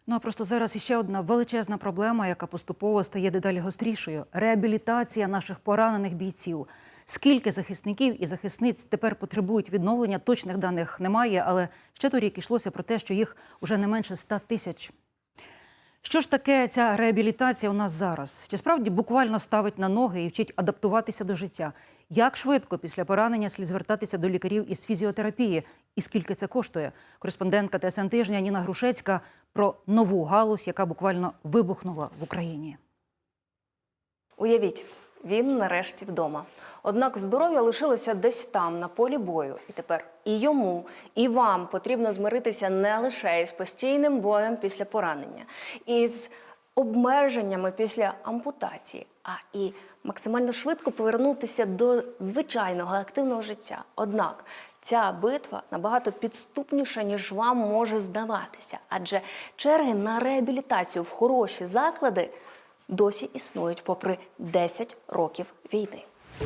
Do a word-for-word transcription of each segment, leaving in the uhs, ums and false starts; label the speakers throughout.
Speaker 1: Ну а просто зараз іще одна величезна проблема, яка поступово стає дедалі гострішою – реабілітація наших поранених бійців. Скільки захисників і захисниць тепер потребують відновлення, точних даних немає, але ще торік йшлося про те, що їх уже не менше ста тисяч. Що ж таке ця реабілітація у нас зараз? Чи справді буквально ставить на ноги і вчить адаптуватися до життя? Як швидко після поранення слід звертатися до лікарів із фізіотерапії? І скільки це коштує? Кореспондентка ТСН Тижня Ніна Грушецька про нову галузь, яка буквально вибухнула в Україні.
Speaker 2: Уявіть, він нарешті вдома. Однак здоров'я лишилося десь там, на полі бою. І тепер і йому, і вам потрібно змиритися не лише із постійним болем після поранення, із обмеженнями після ампутації, а і максимально швидко повернутися до звичайного активного життя. Однак ця битва набагато підступніша, ніж вам може здаватися. Адже черги на реабілітацію в хороші заклади досі існують попри десять років війни.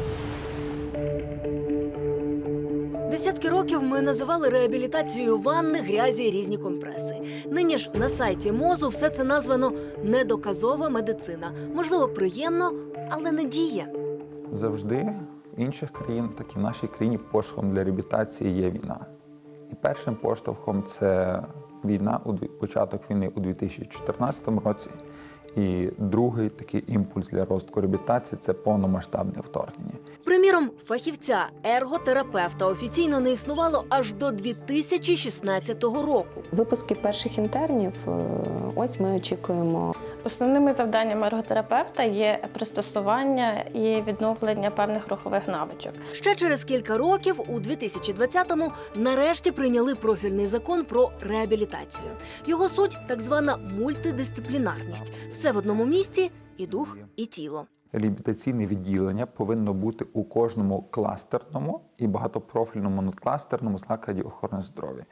Speaker 3: Десятки років ми називали реабілітацією ванни, грязі і різні компреси. Нині ж на сайті МОЗу все це названо «недоказова медицина». Можливо, приємно, але не діє.
Speaker 4: Завжди в інших країнах, так і в нашій країні, поштовхом для реабілітації є війна. І першим поштовхом – це війна, початок війни у дві тисячі чотирнадцятому році. І другий такий імпульс для розвитку реабілітації – це повномасштабне вторгнення.
Speaker 3: Приміром, фахівця, ерготерапевта офіційно не існувало аж до дві тисячі шістнадцятого року.
Speaker 5: Випуски перших інтернів, ось ми очікуємо.
Speaker 6: Основними завданнями ерготерапевта є пристосування і відновлення певних рухових навичок.
Speaker 3: Ще через кілька років, у дві тисячі двадцятому, нарешті прийняли профільний закон про реабілітацію. Його суть – так звана мультидисциплінарність. Все в одному місці – і дух, і тіло.
Speaker 4: Реабілітаційне відділення повинно бути у кожному кластерному і багатопрофільному надкластерному закладі охорони здоров'я.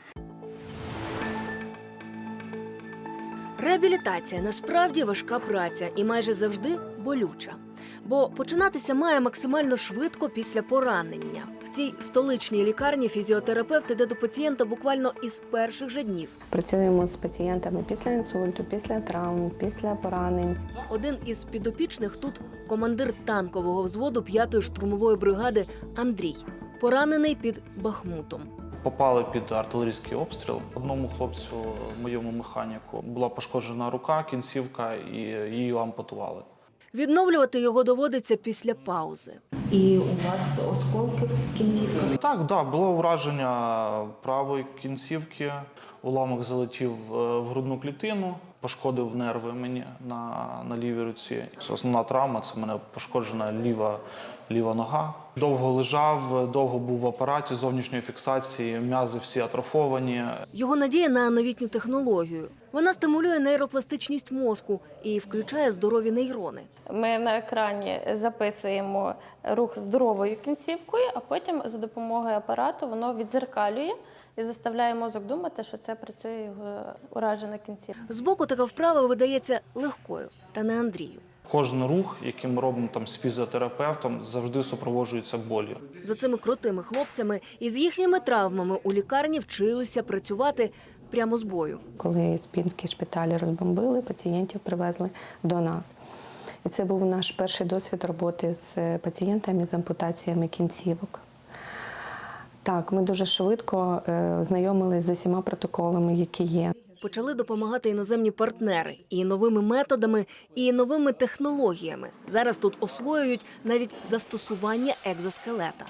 Speaker 3: Реабілітація насправді важка праця і майже завжди болюча. Бо починатися має максимально швидко після поранення. В цій столичній лікарні фізіотерапевт іде до пацієнта буквально із перших же днів.
Speaker 5: Працюємо з пацієнтами після інсульту, після травм, після поранень.
Speaker 3: Один із підопічних тут – командир танкового взводу п'ятої штурмової бригади Андрій, поранений під Бахмутом.
Speaker 7: Попали під артилерійський обстріл. Одному хлопцю, моєму механіку, була пошкоджена рука, кінцівка, і її ампутували.
Speaker 3: Відновлювати його доводиться після паузи.
Speaker 8: І у вас осколки в кінцівках?
Speaker 7: Так, да, було враження правої кінцівки, уламок залетів в грудну клітину, пошкодив нерви мені на, на лівій руці. Основна травма – це в мене пошкоджена ліва, ліва нога. Довго лежав, довго був в апараті зовнішньої фіксації, м'язи всі атрофовані.
Speaker 3: Його надія на новітню технологію. Вона стимулює нейропластичність мозку і включає здорові нейрони.
Speaker 6: Ми на екрані записуємо рух здоровою кінцівкою, а потім за допомогою апарату воно віддзеркалює і заставляє мозок думати, що це працює його уражена кінцівка.
Speaker 3: Збоку така вправа видається легкою, та не Андрію.
Speaker 7: Кожен рух, який ми робимо там з фізіотерапевтом, завжди супроводжується болю.
Speaker 3: З оцими крутими хлопцями і з їхніми травмами у лікарні вчилися працювати прямо з бою.
Speaker 5: Коли пінські шпиталі розбомбили, пацієнтів привезли до нас. І це був наш перший досвід роботи з пацієнтами з ампутаціями кінцівок. Так, ми дуже швидко е, знайомилися з усіма протоколами, які є.
Speaker 3: Почали допомагати іноземні партнери і новими методами, і новими технологіями. Зараз тут освоюють навіть застосування екзоскелета.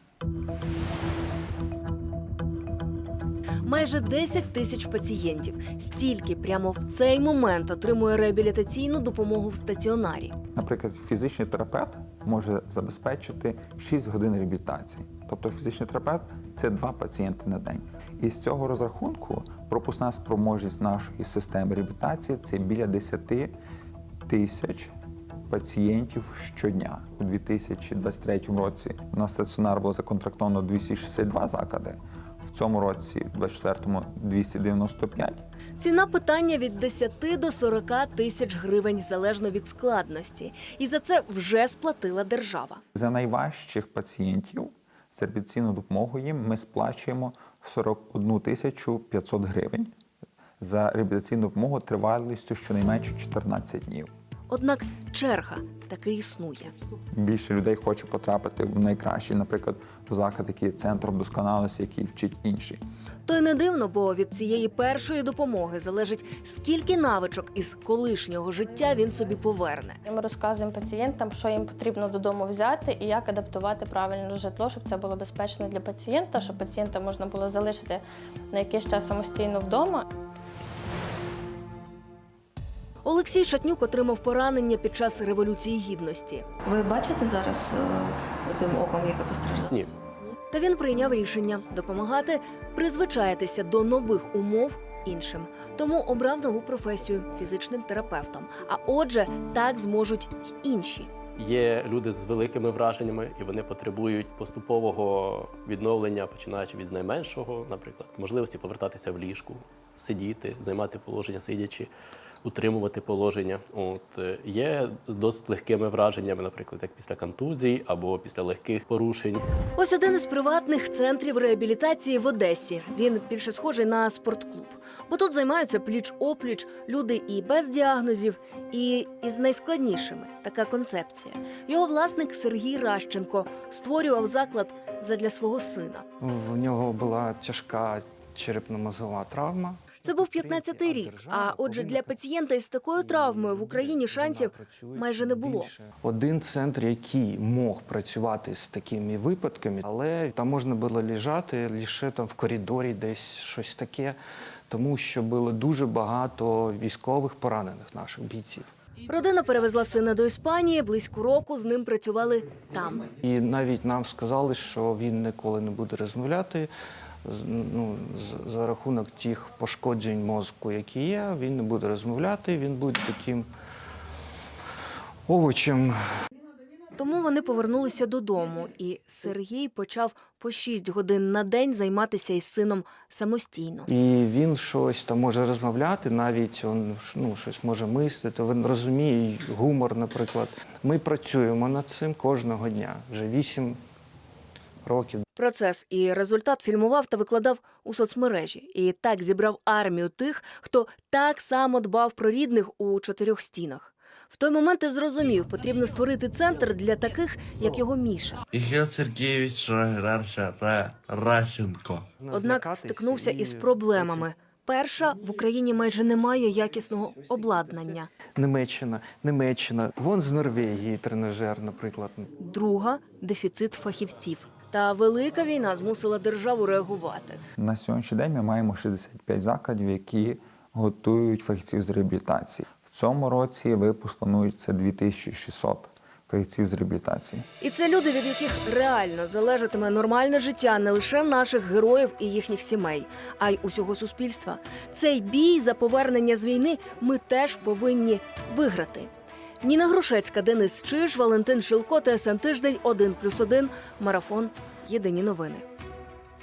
Speaker 3: Майже десять тисяч пацієнтів. Стільки прямо в цей момент отримує реабілітаційну допомогу в стаціонарі.
Speaker 4: Наприклад, фізичний терапевт може забезпечити шість годин реабілітації. Тобто фізичний терапевт – це два пацієнти на день. І з цього розрахунку пропускна спроможність нашої системи реабілітації – це біля десять тисяч пацієнтів щодня. У дві тисячі двадцять третьому році на стаціонар було законтрактовано двісті шістдесят два заклади. В цьому році, двадцять четвертому, двісті дев'яносто п'ять.
Speaker 3: Ціна питання від десяти до сорока тисяч гривень, залежно від складності. І за це вже сплатила держава.
Speaker 4: За найважчих пацієнтів з реабілітаційною допомогою їм ми сплачуємо сорок одну тисячу п'ятсот гривень за реабілітаційну допомогу тривалістю щонайменше чотирнадцять днів.
Speaker 3: Однак черга таки існує.
Speaker 4: Більше людей хоче потрапити в найкращий, наприклад, в заклад, який є центром досконалості, який вчить інші.
Speaker 3: То й не дивно, бо від цієї першої допомоги залежить, скільки навичок із колишнього життя він собі поверне.
Speaker 6: Ми розказуємо пацієнтам, що їм потрібно додому взяти і як адаптувати правильно житло, щоб це було безпечно для пацієнта, щоб пацієнта можна було залишити на якийсь час самостійно вдома.
Speaker 3: Олексій Шатнюк отримав поранення під час Революції Гідності.
Speaker 8: Ви бачите зараз е, тим оком, яке постраждало?
Speaker 9: Ні.
Speaker 3: Та він прийняв рішення допомагати призвичаїтися до нових умов іншим. Тому обрав нову професію – фізичним терапевтом. А отже, так зможуть й інші.
Speaker 9: Є люди з великими враженнями, і вони потребують поступового відновлення, починаючи від найменшого, наприклад, можливості повертатися в ліжку, сидіти, займати положення сидячи, утримувати положення. От е, є з досить легкими враженнями, наприклад, як після контузій або після легких порушень.
Speaker 3: Ось один із приватних центрів реабілітації в Одесі. Він більше схожий на спортклуб. Бо тут займаються пліч-опліч люди і без діагнозів, і із найскладнішими. Така концепція. Його власник Сергій Ращенко створював заклад задля свого сина.
Speaker 10: В нього була тяжка черепно-мозгова травма.
Speaker 3: Це був п'ятнадцятий рік, а отже для пацієнта із такою травмою в Україні шансів майже не було.
Speaker 10: Один центр, який мог працювати з такими випадками, але там можна було лежати лише там в коридорі, десь щось таке, тому що було дуже багато військових поранених наших бійців.
Speaker 3: Родина перевезла сина до Іспанії, близько року з ним працювали там.
Speaker 10: І навіть нам сказали, що він ніколи не буде розмовляти, з- ну, з- за рахунок тих пошкоджень мозку, які є, він не буде розмовляти, він буде таким овочем.
Speaker 3: Тому вони повернулися додому, і Сергій почав по шість годин на день займатися із сином самостійно.
Speaker 10: І він щось там може розмовляти, навіть він ну, щось може мислити, він розуміє гумор, наприклад. Ми працюємо над цим кожного дня, вже вісім років.
Speaker 3: Процес і результат фільмував та викладав у соцмережі. І так зібрав армію тих, хто так само дбав про рідних у чотирьох стінах. В той момент і зрозумів, потрібно створити центр для таких, як його Міша.
Speaker 11: Михаил Сергеевич Раша- Ра- Ращенко.
Speaker 3: Однак стикнувся із проблемами. Перша, в Україні майже немає якісного обладнання.
Speaker 10: Німеччина, Німеччина, вон з Норвегії тренажер, наприклад.
Speaker 3: Друга – дефіцит фахівців. Та велика війна змусила державу реагувати.
Speaker 4: На сьогоднішній день ми маємо шістдесят п'ять закладів, які готують фахівців з реабілітації. В цьому році випуск планується дві тисячі шістсот фахівців з реабілітації.
Speaker 3: І це люди, від яких реально залежатиме нормальне життя не лише наших героїв і їхніх сімей, а й усього суспільства. Цей бій за повернення з війни ми теж повинні виграти. Ніна Грушецька, Денис Чиж, Валентин Шилко, ТСН Тиждень, один плюс один, Марафон. Єдині новини.